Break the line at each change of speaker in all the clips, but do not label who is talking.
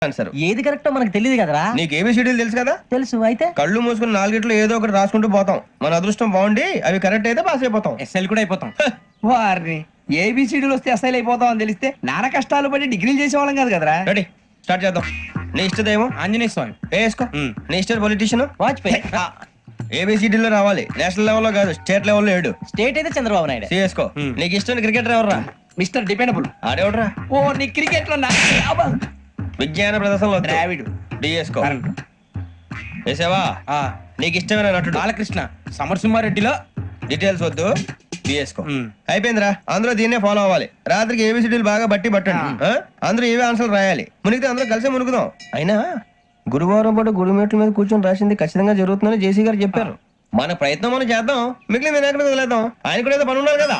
Answer.
ఏది కరెక్టో మనకు తెలియదు కదరా.
నీకు ఏబిసిడీలు తెలుసు కదా?
తెలుసు. అయితే
కళ్ళు మూసుకుని నాలుగిట్లో ఏదో ఒకటి రాసుకుంటూ పోతాం. మన అదృష్టం బాగుండి అవి కరెక్ట్ అయితే పాస్ అయిపోతాం.
ఎస్ఎల్ కూడా అయిపోతాం. వారిని ఏబిసిడీలు వస్తే ఎస్ఐలు అయిపోతాం అని తెలిస్తే నాన్న కష్టాలు పడి డిగ్రీలు చేసేవాళ్ళం కాదు కదరా.
రెడీ, స్టార్ట్ చేద్దాం. నీ ఇష్టదేమో
ఆంజనేయ స్వామి.
వేసుకో. నీ ఇష్ట పొలిటీషియన్
వాజ్పేయి.
ఏబిసిడీలో రావాలి, నేషనల్ లెవెల్లో కాదు, స్టేట్ లెవెల్లో 7.
స్టేట్ అయితే చంద్రబాబు నాయుడు.
సిఎస్కో. నీకు ఇష్టం క్రికెటర్ ఎవర్రా?
Mister dependable.
ఆడేవడరా?
ఓ నీ క్రికెట్ లో
విజ్ఞాన ప్రదర్శనలో
ద్రావిడు.
డిఎస్కో. వేసావా? నీకు ఇష్టమైన నటుడు?
బాలకృష్ణ. సమర్సింహారెడ్డిలో
డీటెయిల్స్ వద్దు, బిఎస్కో. అయిపోయిందిరా, అందరూ దీన్నే ఫాలో అవ్వాలి. రాత్రికి ఏబిసిడీలు బాగా బట్టి పట్టండి. అందరూ ఏవే ఆన్సర్లు రాయాలి. మునిగితే అందరూ కలిసి మునుగుదాం. అయినా గురువారం పాటు గురుమేట్ల మీద కూర్చొని రాసింది ఖచ్చితంగా జరుగుతుందని జేసీ గారు చెప్పారు. మన ప్రయత్నం మనం చేద్దాం, మిగిలిన వినాయకుడికి వదిలేద్దాం. ఆయన కూడా ఏదో పని ఉన్నారు కదా.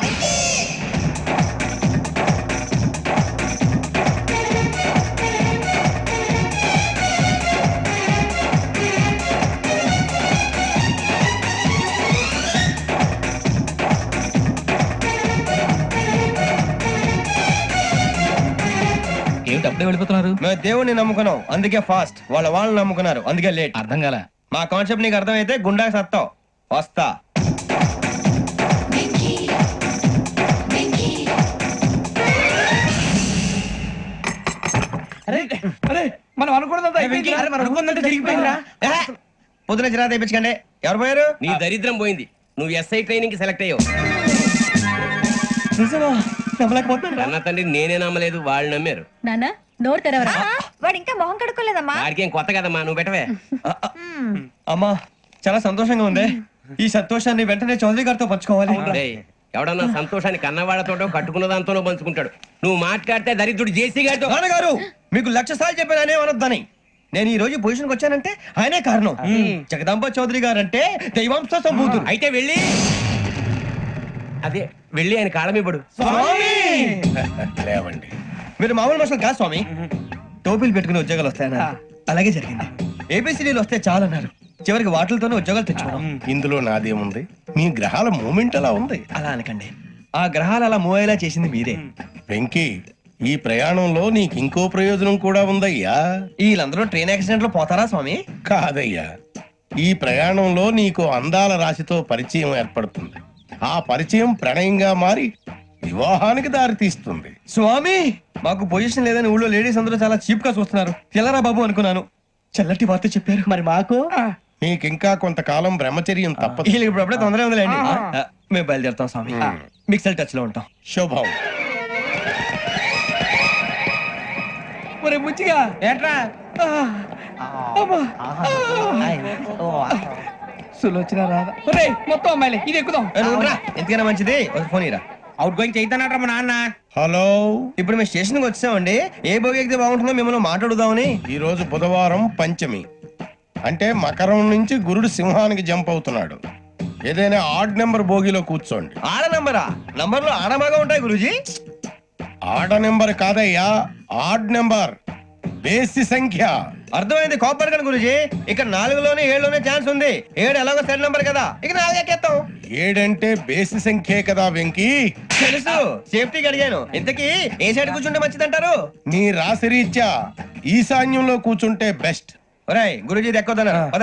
ఏమిటి అప్పుడే వెళ్ళిపోతున్నారు?
మేము దేవుడిని నమ్ముకున్నాం, అందుకే ఫాస్ట్. వాళ్ళని నమ్ముకున్నారు, అందుకే లేట్.
అర్థం కాల.
మా కాన్సెప్ట్ నీకు అర్థమైతే గుండా సత్తావు. వస్తా.
అరే మనం అనుకున్నదంతా జరిగిపోయిందిరా.
పొద్దున చిరా తెప్పించకండి. ఎవరు పోయారు?
నీ దరిద్రం పోయింది. నువ్వు ఎస్ఐ ట్రైనింగ్ కి సెలెక్ట్ అయ్యావు. అన్న తండ్రి నేనే నమ్మలేదు, వాళ్ళు నమ్మారు.
నాన్న నోరు తెరవరా. వాడు ఇంకా మొహం కడుక్కోలేదమ్మా.
వాడికి ఏం కొత్త కదమ్మా, నువ్వు పెట్టవే.
అమ్మా చాలా సంతోషంగా ఉంది. ఈ సంతోషాన్ని వెంటనే చౌదరి గారితో పంచుకోవాలి.
డేయ్, ఎవడన్నా సంతోషాన్ని కన్నవాళ్లతోటో కట్టుకున్న దాంతోనో పంచుకుంటాడు. నువ్వు మాట్లాడితే దరిద్రుడు జేసీ గారితో.
నాన్నగారు మీకు 1,00,000 సార్లు చెప్పాననే అనొద్దని. నేను ఈ రోజు పొజిషన్కి వచ్చానంటే ఆయనే కారణం. జగదాంబ చౌదరి గారు అంటే దైవాంశ సంభూతుడు.
అయితే వెళ్ళి అదే వెళ్ళి ఆయన కాళ్ళమివ్వడు.
లేవండి, మీరు మామూలు మనుషులు కాదు స్వామి. టోపీలు పెట్టుకుని ఉద్యోగాలు వస్తాయన్నారు, అలాగే జరిగింది. ఏబిసిడీలు వస్తే చాలన్నారు, చివరికి వాటిలతోనే ఉద్యోగాలు తెచ్చుకున్నాం.
ఇందులో నాదేముంది? మీ గ్రహాల మూమెంట్ అలా ఉంది.
అలా అనకండి, ఆ గ్రహాలు అలా మూవ్ అయ్యేలా చేసింది మీరే.
వెంకీ, ఈ ప్రయాణంలో నీకు ఇంకో ప్రయోజనం కూడా ఉందయ్యా.
వీళ్ళందరూ ట్రైన్ యాక్సిడెంట్ లో పోతారా స్వామి?
కాదయ్యా, ఈ ప్రయాణంలో నీకు అందాల రాశితో పరిచయం ఏర్పడుతుంది. ఆ పరిచయం ప్రణయంగా మారి వివాహానికి దారితీస్తుంది.
స్వామి మాకు పొజిషన్ లేదని ఊళ్ళో లేడీస్ అందరూ చాలా చీప్ గా చూస్తున్నారు. తెల్లరా బాబు అనుకున్నాను, చల్లటి వార్త చెప్పారు.
మరి మాకు
నీకింకా కొంతకాలం బ్రహ్మచర్యం తప్పదు.
వీళ్ళకి ఇప్పుడు అప్పుడే తొందరగా ఉందిలేండి. మేము బయలుదేరుతాం స్వామి, మిక్సెల్ టచ్ లో ఉంటాం.
శుభం.
ఒరే ముచ్చిగా
ఏట్రా
సులోచన రాదా? ఒరే మొత్తం అమ్మాయిలే, ఇది ఎక్కుదాం.
ఎందుకైనా మంచిది ఒక ఫోన్ ఇరా.
అవుట్ గోయింగ్ చేద్దానట్రా మా నాన్న.
హలో,
ఇప్పుడు మేము స్టేషన్ కి వచ్చామండి. ఏ బోగి ఎక్కితే బాగుంటుందో మిమ్మల్ని మాట్లాడుదామని.
ఈ రోజు బుధవారం పంచమి, అంటే మకరం నుంచి గురుడు సింహానికి జంప్ అవుతున్నాడు. ఏదైనా ఆడ్ నెంబర్ బోగిలో కూర్చోండి.
ఆడ నంబరా? నంబర్లు ఆడ బాగా ఉంటాయి గురూజీ.
ఆడ నెంబర్ కాదయ్యా, ఆడ్ నెంబర్, బేసి సంఖ్య.
అర్థమైంది, కాపర్ కానీ గురూజీ. ఇక్కడ 4లోనే 7లోనే ఛాన్స్ ఉంది. 7 ఎలాగో సెడ్ నంబర్ కదా, ఇక 4 ఎక్కేస్తాం.
7 అంటే బేసి సంఖ్యే కదా వెంకీ.
తెలుసు, సేఫ్టీకి అడిగాను. ఇంతకీ ఏ సైడ్ కూర్చుంటే మంచిదంటారు?
నీ రాశి రీత్యా ఈశాన్యంలో కూర్చుంటే బెస్ట్.
ఒరేయ్ గురూజీ దెక్కొద్దన్నారు.